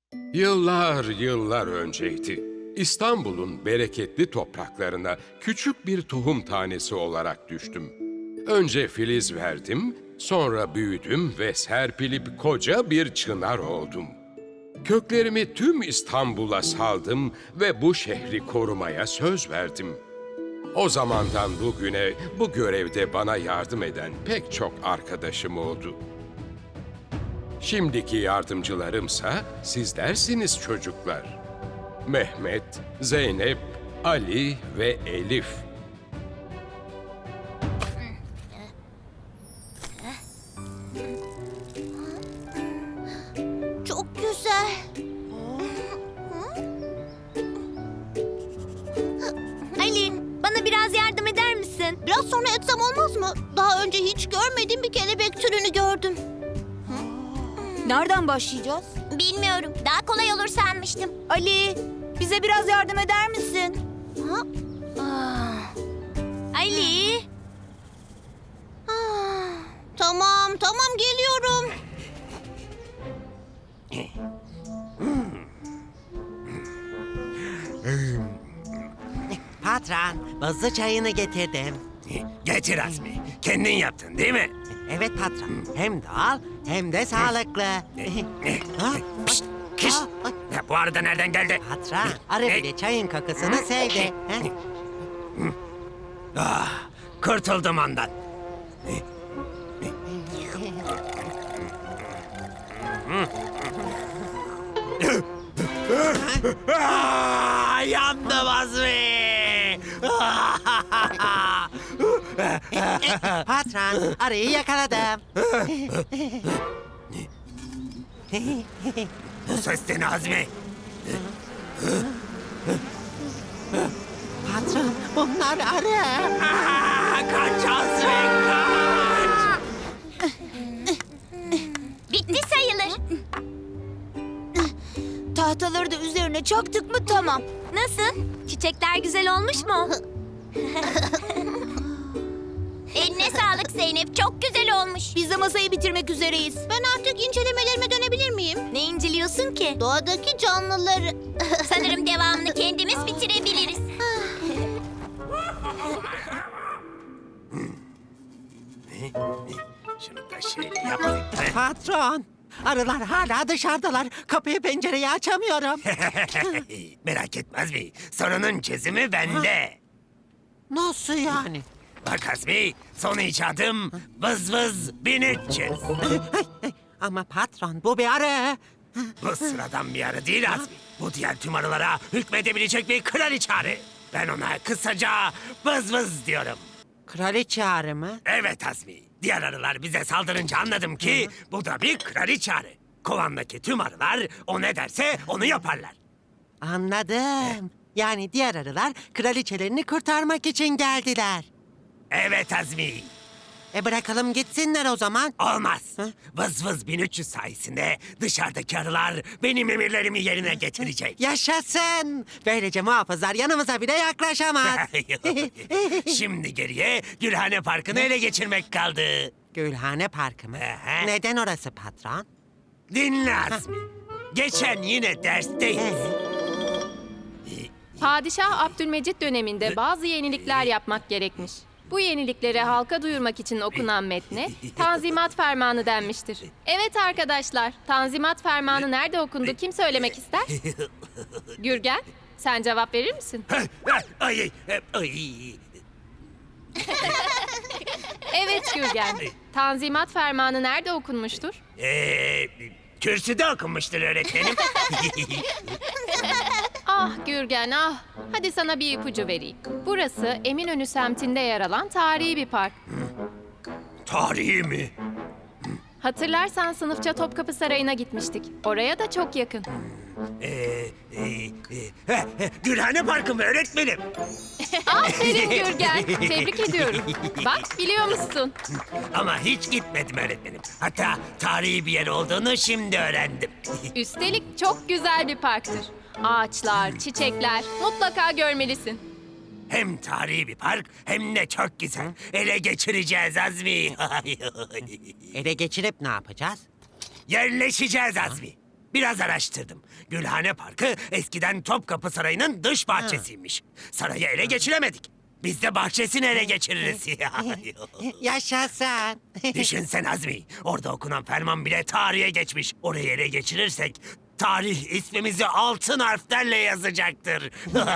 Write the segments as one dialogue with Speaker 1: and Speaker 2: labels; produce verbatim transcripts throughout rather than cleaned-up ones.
Speaker 1: Yıllar yıllar önceydi. İstanbul'un bereketli topraklarına küçük bir tohum tanesi olarak düştüm. Önce filiz verdim, sonra büyüdüm ve serpilip koca bir çınar oldum. Köklerimi tüm İstanbul'a saldım ve bu şehri korumaya söz verdim. O zamandan bugüne bu görevde bana yardım eden pek çok arkadaşım oldu. Şimdiki yardımcılarımsa sizlersiniz çocuklar. Mehmet, Zeynep, Ali ve Elif.
Speaker 2: Çok güzel. Ali, bana biraz yardım eder misin? Biraz sonra etsem olmaz mı? Daha önce hiç görmediğim bir kelebek türünü gördüm.
Speaker 3: Nereden başlayacağız?
Speaker 2: Bilmiyorum. Daha kolay olur sanmıştım.
Speaker 3: Ali, bize biraz yardım eder misin?
Speaker 2: Ha? Ah. Ali. Ah. Tamam, tamam geliyorum.
Speaker 4: Patron, buzlu çayını getirdim.
Speaker 5: Getir Azmi. Kendin yaptın değil mi?
Speaker 4: Evet patron, hem doğal hem de sağlıklı. Ha?
Speaker 5: Pişt, kış.
Speaker 4: Aa, ay,
Speaker 5: Ya, bu arada nereden geldi?
Speaker 4: patron, arı bile çayın kokusunu sevdi. Ha?
Speaker 5: Ah, kurtuldum ondan. Ah, yandım Azmi.
Speaker 4: Patron, arıyı yakaladım.
Speaker 5: Bu ses de ne Azmi?
Speaker 4: Patron, bunlar arı.
Speaker 5: Ah, kaç Azmi kaç.
Speaker 2: Bitti sayılır.
Speaker 3: Tahtaları da üzerine çaktık mı tamam.
Speaker 2: Nasıl? Çiçekler güzel olmuş mu? Eline sağlık Zeynep. Çok güzel olmuş.
Speaker 3: Biz de masayı bitirmek üzereyiz.
Speaker 2: Ben artık incelemelerime dönebilir miyim? Ne inceliyorsun ki? Doğadaki canlıları. Sanırım devamını kendimiz bitirebiliriz.
Speaker 5: Şunu da şöyle yapayım.
Speaker 4: Patron, arılar hala dışarıdalar. Kapıyı pencereyi açamıyorum.
Speaker 5: Merak etme Azmi. Sorunun çözümü bende.
Speaker 4: Nasıl yani?
Speaker 5: Bak Azmi, son icadım vız vız bin üç yüz.
Speaker 4: Ama patron, bu bir arı.
Speaker 5: Bu sıradan bir arı değil Azmi. Bu diğer tüm arılara hükmedebilecek bir kraliçe arı. Ben ona kısaca vız vız diyorum.
Speaker 4: Kraliçe arı mı?
Speaker 5: Evet Azmi. Diğer arılar bize saldırınca anladım ki bu da bir kraliçe arı. Kovandaki tüm arılar o ne derse onu yaparlar.
Speaker 4: Anladım. Yani diğer arılar kraliçelerini kurtarmak için geldiler.
Speaker 5: Evet Azmi.
Speaker 4: E bırakalım gitsinler o zaman.
Speaker 5: Olmaz.
Speaker 4: Hı?
Speaker 5: Vız vız bin üç yüz sayesinde dışarıdaki arılar benim emirlerimi yerine getirecek.
Speaker 4: Yaşasın. Böylece muhafızlar yanımıza bile yaklaşamaz.
Speaker 5: Şimdi geriye Gülhane Parkı'nı ele geçirmek kaldı.
Speaker 4: Gülhane Parkı mı?
Speaker 5: Aha.
Speaker 4: Neden orası patron?
Speaker 5: Dinle Azmi. Geçen yine dersteyiz.
Speaker 6: Padişah Abdülmecit döneminde bazı yenilikler yapmak gerekmiş. Bu yenilikleri halka duyurmak için okunan metne Tanzimat Fermanı denmiştir. Evet arkadaşlar, Tanzimat Fermanı nerede okundu kim söylemek ister? Gürgen, sen cevap verir misin?
Speaker 5: Ay, ay, ay.
Speaker 6: Evet Gürgen, Tanzimat Fermanı nerede okunmuştur?
Speaker 5: Ee, kürsüde okunmuştur öğretmenim.
Speaker 6: Ah Gürgen ah, hadi sana bir ipucu vereyim. Burası Eminönü semtinde yer alan tarihi bir park.
Speaker 5: Tarihi mi?
Speaker 6: Hatırlarsan sınıfça Topkapı Sarayı'na gitmiştik. Oraya da çok yakın.
Speaker 5: Ee, e, e, he, he, Gülhane Parkı mı öğretmenim?
Speaker 6: Aferin Gürgen. Tebrik ediyorum. Bak biliyor musun?
Speaker 5: Ama hiç gitmedim öğretmenim. Hatta tarihi bir yer olduğunu şimdi öğrendim.
Speaker 6: Üstelik çok güzel bir parktır. Ağaçlar, çiçekler mutlaka görmelisin.
Speaker 5: Hem tarihi bir park hem de çok güzel. Ele geçireceğiz Azmi.
Speaker 4: Ele geçirip ne yapacağız?
Speaker 5: Yerleşeceğiz Azmi. Biraz araştırdım. Gülhane Parkı eskiden Topkapı Sarayı'nın dış bahçesiymiş. Sarayı ele geçiremedik. Biz de bahçesini ele geçiririz.
Speaker 4: Yaşasın.
Speaker 5: Düşünsen Azmi, orada okunan ferman bile tarihe geçmiş. Orayı ele geçirirsek tarih ismimizi altın harflerle yazacaktır.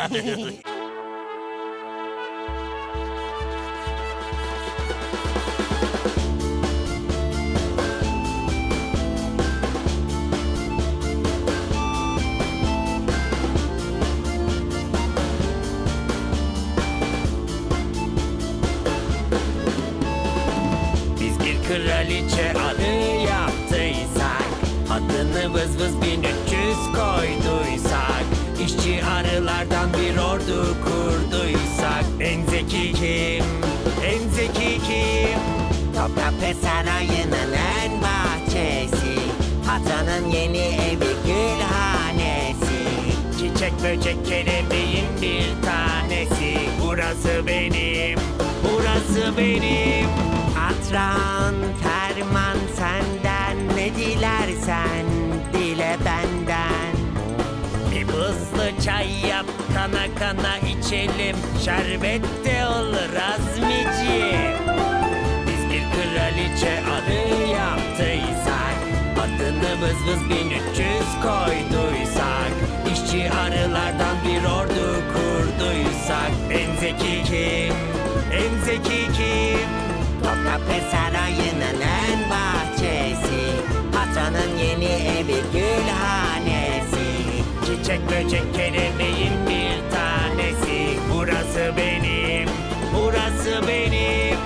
Speaker 5: Biz bir kraliçe adı yaptıysak, adını vız vız bin üç yüz koyduysak, işçi arılardan bir ordu kurduysak, en zeki kim, en zeki kim?
Speaker 4: Topkapı Sarayı'nın en bahçesi, patronun yeni evi gülhanesi.
Speaker 5: Çiçek böcek kelebeğin bir tanesi. Burası benim, burası benim.
Speaker 4: Patron ferman senden, ne dilersen dile benden.
Speaker 5: Bir buzlu çay yap, kana kana içelim. Şerbet de olur Azmiciğim. Biz bir kraliçe adı yaptıysak, adını vız vız bin üç yüz koyduysak, işçi arılardan bir ordu kurduysak, en zeki kim, en zeki kim?
Speaker 4: Topkapı Sarayı'nın en bahçesi, patronun yeni evi gülhanesi.
Speaker 5: Çiçek böcek kelebeğin bir tanesi. Burası benim, burası benim.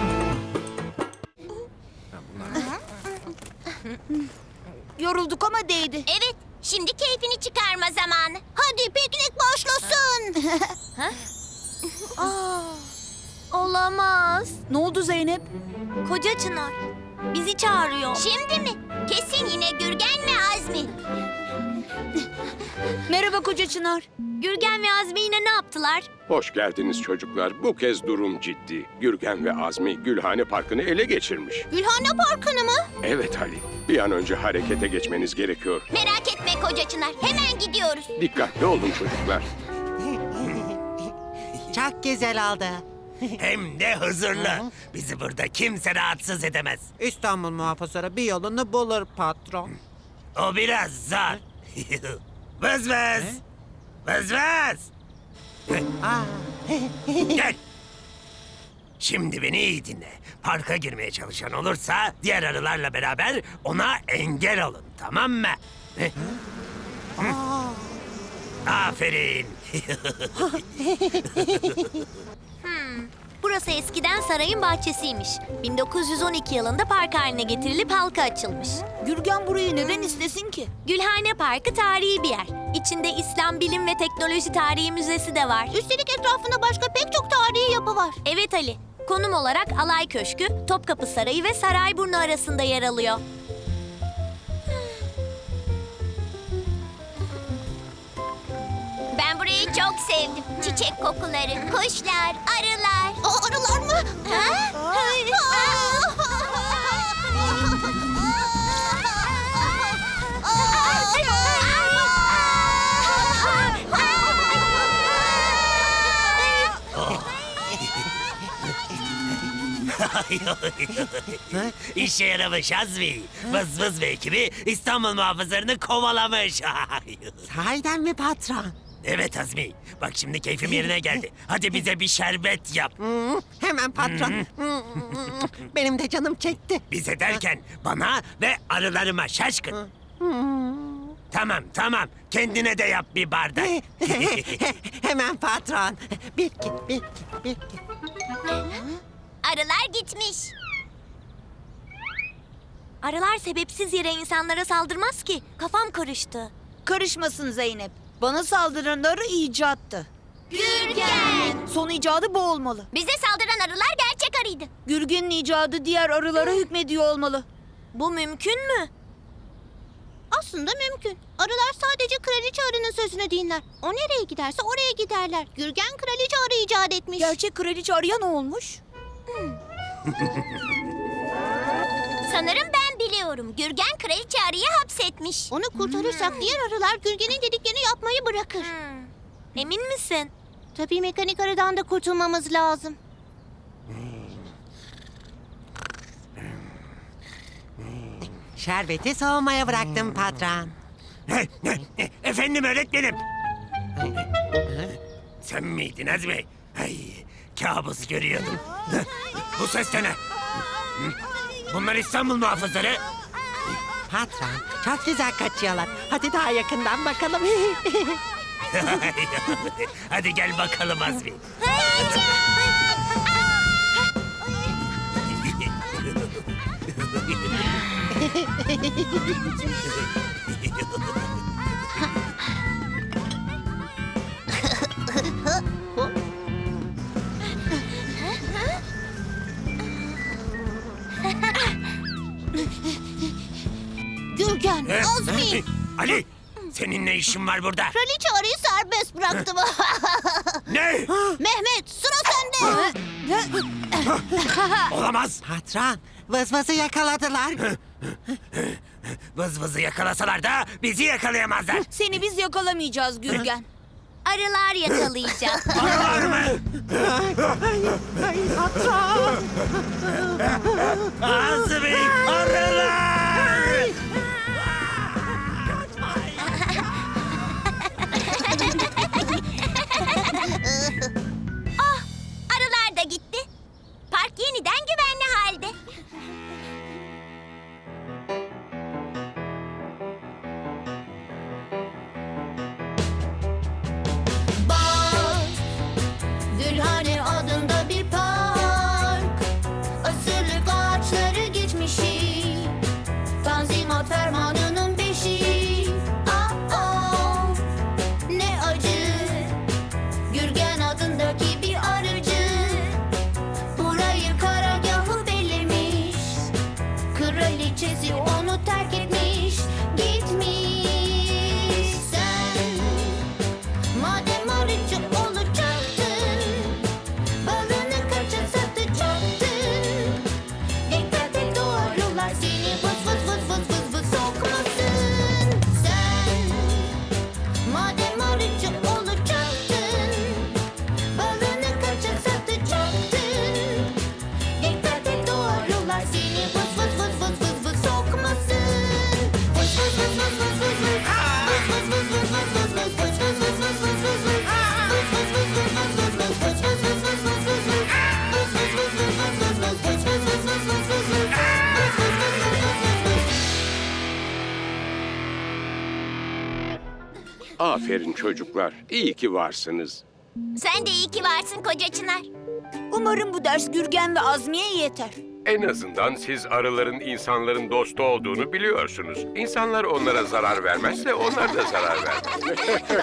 Speaker 3: Yorulduk ama değdi.
Speaker 2: Evet, şimdi keyfini çıkarma zamanı. Hadi piknik başlasın. Ha? Aa, olamaz.
Speaker 3: Ne oldu Zeynep?
Speaker 2: Koca Çınar bizi çağırıyor. Şimdi mi? Kesin yine Gürgen ve Azmi.
Speaker 3: Merhaba Koca Çınar.
Speaker 2: Gürgen ve Azmi yine ne yaptılar?
Speaker 1: Hoş geldiniz çocuklar. Bu kez durum ciddi. Gürgen ve Azmi Gülhane Parkı'nı ele geçirmiş.
Speaker 2: Gülhane Parkı'nı mı?
Speaker 1: Evet Ali, bir an önce harekete geçmeniz gerekiyor.
Speaker 2: Merak etme Koca Çınar, hemen gidiyoruz.
Speaker 1: Dikkatli olun çocuklar.
Speaker 4: Çok güzel oldu.
Speaker 5: Hem de huzurlu. Bizi burada kimse rahatsız edemez.
Speaker 4: İstanbul muhafızları bir yolunu bulur patron.
Speaker 5: O biraz zor. Vız vız. Vız vız.
Speaker 4: Aa,
Speaker 5: Gel. Şimdi beni iyi dinle. Parka girmeye çalışan olursa diğer arılarla beraber ona engel olun, tamam mı? Aferin.
Speaker 2: Burası eskiden sarayın bahçesiymiş. bin dokuz yüz on iki yılında park haline getirilip halka açılmış.
Speaker 3: Gürgen burayı neden istesin ki?
Speaker 2: Gülhane Parkı tarihi bir yer. İçinde İslam Bilim ve Teknoloji Tarihi Müzesi de var. Üstelik etrafında başka pek çok tarihi yapı var. Evet Ali. Konum olarak Alay Köşkü, Topkapı Sarayı ve Sarayburnu arasında yer alıyor. Ben burayı çok sevdim. Çiçek kokuları, kuşlar, arılar. O arılar mı? Ha?
Speaker 5: İşe yaramış Azmi. Vız vız ve ekibi İstanbul muhafızlarını kovalamış.
Speaker 4: sahiden mi patron?
Speaker 5: Evet Azmi. Bak şimdi keyfim yerine geldi. Hadi bize bir şerbet yap.
Speaker 4: Hmm, hemen patron. Hmm, benim de canım çekti.
Speaker 5: Bize derken bana ve arılarıma şaşkın. Tamam tamam. Kendine de yap bir bardak.
Speaker 4: Hemen patron. Bir iki, bir iki, bir iki.
Speaker 2: Arılar gitmiş. Arılar sebepsiz yere insanlara saldırmaz ki. Kafam karıştı.
Speaker 3: Karışmasın Zeynep. Bana saldıran arı icattı.
Speaker 2: Gürgen!
Speaker 3: Son icadı bu olmalı.
Speaker 2: Bize saldıran arılar gerçek arıydı.
Speaker 3: Gürgen'in icadı diğer arılara hükmediyor olmalı.
Speaker 2: Bu mümkün mü? Aslında mümkün. Arılar sadece kraliçe arının sözünü dinler. O nereye giderse oraya giderler. Gürgen kraliçe arı icat etmiş.
Speaker 3: Gerçek kraliçe arıya ne olmuş?
Speaker 2: Sanırım ben biliyorum. biliyorum. Gürgen kraliçe arıyı hapsetmiş. Onu kurtarırsak diğer arılar Gürgen'in dediklerini yapmayı bırakır. Emin misin? Tabii mekanik arıdan da kurtulmamız lazım.
Speaker 4: Şerbeti soğumaya bıraktım patron.
Speaker 5: Efendim öğretmenim. Sen miydin Azmi? Ay, kabus görüyordum. Bu ses de ne? Bunlar İstanbul muhafızları.
Speaker 4: Patron, çok güzel kaçıyorlar. Hadi daha yakından bakalım.
Speaker 5: Hadi gel bakalım Azmi.
Speaker 2: Gürgen,
Speaker 5: He?
Speaker 2: Azmi.
Speaker 5: Ali, senin ne işin var burada?
Speaker 2: Kraliçe arıyı serbest bıraktım.
Speaker 5: Ne?
Speaker 2: Mehmet, sıra sende.
Speaker 5: Olamaz.
Speaker 4: Patron, vızvızı yakaladılar.
Speaker 5: Vız vızı yakalasalar da bizi yakalayamazlar.
Speaker 3: Seni biz yakalamayacağız Gürgen.
Speaker 2: Arılar yakalayacak.
Speaker 5: Arılar mı?
Speaker 4: Ay patron.
Speaker 5: Azmi, arılar!
Speaker 2: Arılar da gitti. Park yeniden güvenli halde. Bak, Gülhane adında bir park. Asırlık ağaçları geçmişi. Tanzimat fermanının beşi. Ah ah, ne acı. Gürgen adındaki bir arıcı burayı karargahı bellemiş. Kraliçesi onu terk etmiş, gitmiş. Sen madem arıcı olacaktın, balını kaça satacaktın. Dikkat et, doğrular seni vız vız vız vız vız vız sokmasın. Sen madem arıcı olacaktın, balını kaça satacaktın. Dikkat et, doğrular seni vız vız vız vız vız vız sokmasın. Vız vız vız vız vız vız vız. Vız vız vız vız vız vız vız. Vız vız vız vız vız vız vız. Vız vız vız vız vız vız vız. Vız vız vız vız vız vız vız. Vız vız vız vız vız vız vız vız. Vız vız vız vız vız vız vız vız.
Speaker 1: Aferin çocuklar, iyi ki varsınız.
Speaker 2: Sen de iyi ki varsın koca Çınar.
Speaker 3: Umarım bu ders Gürgen ve Azmi'ye yeter.
Speaker 1: En azından siz arıların insanların dostu olduğunu biliyorsunuz. İnsanlar onlara zarar vermezse onlar da zarar vermez.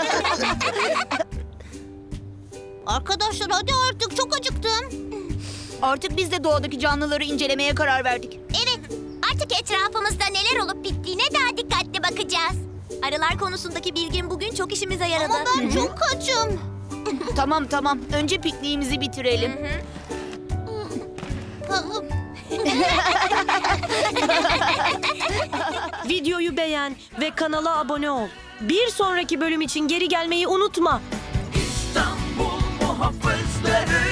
Speaker 2: Arkadaşlar hadi artık, çok acıktım.
Speaker 3: Artık biz de doğadaki canlıları incelemeye karar verdik.
Speaker 2: Evet, artık etrafımızda neler olup bittiğine daha dikkatli bakacağız. Arılar konusundaki bilgim bugün çok işimize yaradı. Ama ben çok açım.
Speaker 3: Tamam tamam. Önce pikniğimizi bitirelim.
Speaker 7: Videoyu beğen ve kanala abone ol. Bir sonraki bölüm için geri gelmeyi unutma.
Speaker 8: İstanbul muhafızları